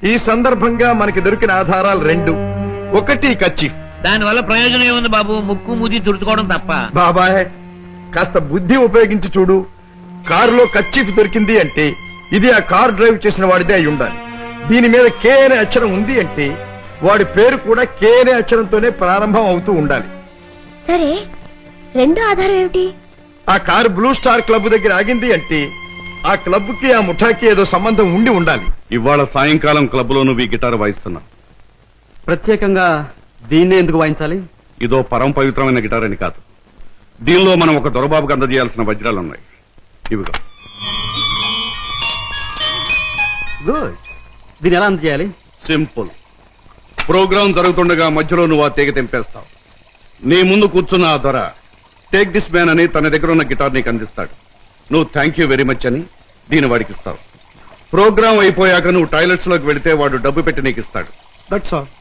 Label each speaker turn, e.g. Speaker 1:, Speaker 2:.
Speaker 1: ఈ సందర్భంగా మనకి దొరికిన ఆధారాలు రెండు. ఒకటి కర్చీఫ్.
Speaker 2: దాని వల్ల ప్రయోజనం ఏముంది బాబు? ముక్కు మూతి తుడుచుకోవడం తప్ప.
Speaker 1: బాబాయ్ కాస్త బుద్ధి ఉపయోగించి చూడు. కారులో కర్చీఫ్ దొరికింది అంటే ఇది ఆ కారు డ్రైవ్ చేసిన వాడిదే అయి ఉండాలి. దీని మీద కే అనే అక్షరం ఉంది అంటే వాడి పేరు కూడా కే అనే అక్షరంతోనే ప్రారంభం అవుతూ ఉండాలి.
Speaker 3: సరే, రెండో ఆధారం ఏమిటి?
Speaker 1: ఆ కారు బ్లూ స్టార్ క్లబ్ దగ్గర ఆగింది అంటే ఆ క్లబ్ కి ఆ ముఠాకి ఏదో సంబంధం ఉండి ఉండాలి.
Speaker 4: ఇవాళ సాయంకాలం క్లబ్ లో నువ్వు ఈ గిటార్ వాయిస్తున్నా.
Speaker 5: ప్రత్యేకంగా దీన్నే ఎందుకు వాయించాలి?
Speaker 4: ఇదో పరమ పవిత్రమైన గిటార్ అని కాదు, దీనిలో మనం ఒక దొరబాబుకి అందజేయాల్సిన వజ్రాలున్నాయి. ఇవిగో.
Speaker 5: గుడ్. దీన్ని ఎలా అందజేయాలి?
Speaker 4: సింపుల్. ప్రోగ్రాం జరుగుతుండగా మధ్యలో నువ్వు ఆ తీగ తెంపేస్తావు. నీ ముందు కూర్చున్న ఆ దొర టేక్ దిస్ మ్యాన్ అని తన దగ్గర ఉన్న గిటార్ నీకు అందిస్తాడు. నువ్వు థ్యాంక్ యూ వెరీ మచ్ అని దీన్ని వాడికి ఇస్తావు. ప్రోగ్రాం అయిపోయాక నువ్వు టాయిలెట్స్ లోకి వెళితే వాడు డబ్బు పెట్టి నీకు ఇస్తాడు. That's all.